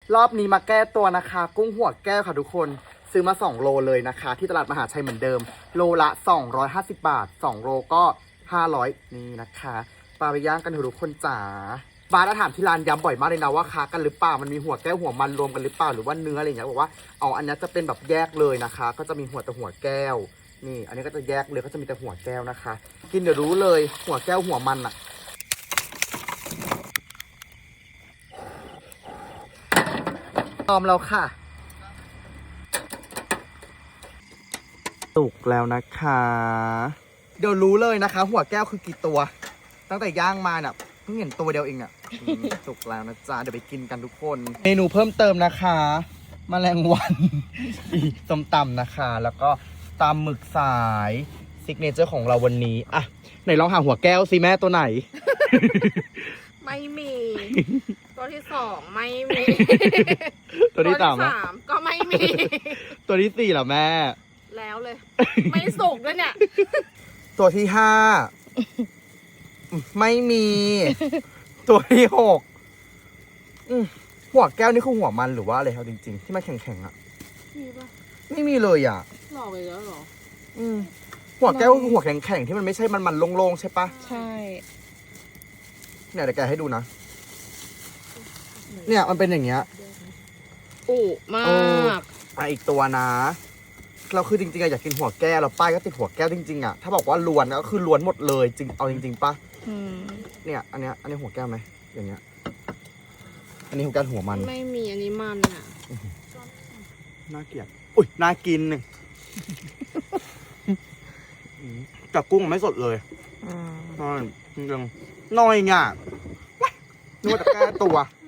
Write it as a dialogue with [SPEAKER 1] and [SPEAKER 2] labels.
[SPEAKER 1] รอบนี้มาแก้ตัวนะคะ กุ้งหัวแก้วค่ะทุกคนซื้อมา2โลเลยนะคะ ที่ตลาดมหาชัยเหมือนเดิมโลละ250 บาท2โลก็500นี่นะคะปลาไปย่างกันเถอะทุกคนจ๋าบาร์ถามที่ร้านย้ำบ่อยมากเลยนะว่าค้ากันหรือเปล่ามันมีหัวแก้วหัวมันรวมกันหรือเปล่าหรือว่าเนื้ออะไรอย่างเงี้ยบอกว่าเอาอันนี้จะเป็นแบบแยกเลยนะคะ ก็จะมีหัวแต่หัวแก้วนี่อันนี้ก็จะแยกเลยก็จะมีแต่หัวแก้วนะคะ กินเดี๋ยวรู้เลยหัวแก้วหัวมันอะพร้อมแล้วค่ะสุกแล้วนะคะเดี๋ยวรู้เลยนะคะ หัวแก้วคือกี่ตัวตั้งแต่ย่างมาเนี่ยเพิ่งเห็นตัวเดียวเองเนี่ยสุกแล้วนะจ๊ะเดี๋ยวไปกินกันทุกคนเมนูเพิ่มเติมนะคะแมลงวันส้มตำนะคะ แล้วก็ตำหมึกสายซิกเนเจอร์ของเราวันนี้อ่ะไหนลองหาหัวแก้วสิแม่ตัวไหน
[SPEAKER 2] ไม่มี ตัวที่2ไม่มี
[SPEAKER 1] ตัวที่สาม
[SPEAKER 2] ก็ไม่มี
[SPEAKER 1] ตัวที่4เหรอแม่
[SPEAKER 2] แล้วเลย ไม่สุกด้วยเนี่ย
[SPEAKER 1] ตัวที่5ไม่มี ตัวที่6หัวแก้วนี่คือหัวมันหรือว่าอะไรครับจริงๆที่มันแข็งๆอ่ะ
[SPEAKER 2] มีปะ
[SPEAKER 1] ไม่มีเลยอ่ะ
[SPEAKER 2] หลอกไปแล้วเหรอ
[SPEAKER 1] หัวแก้วคือหัวแข็งๆที่มันไม่ใช่มันโล่งๆใช่ปะ
[SPEAKER 2] ใช่
[SPEAKER 1] เนี่ยเดี๋ยวแกให้ดูนะเนี่ยมันเป็นอย่างเงี้ย
[SPEAKER 2] อุมา
[SPEAKER 1] เออก อีกตัวนะเราคือจริงๆอะอยากกินหัวแก้วแล้วป้ายก็ติดหัวแก้วจริงๆอะถ้าบอกว่าล้วนก็คือล้วนหมดเลยจริงเอาจริงๆปะเนี่ยอันนี้หัวแก้วไหมอย่างเงี้ยอันนี้หัวแก้วหัวมัน
[SPEAKER 2] ไม่มีอันนี้มันอ่ะ
[SPEAKER 1] น่าเกลียดอุ้ยน่ากินหนึ่งกับกุ้งไม่สดเลยน้อยจริงๆน้อยง่ะนึกว่าจะแก้ตัว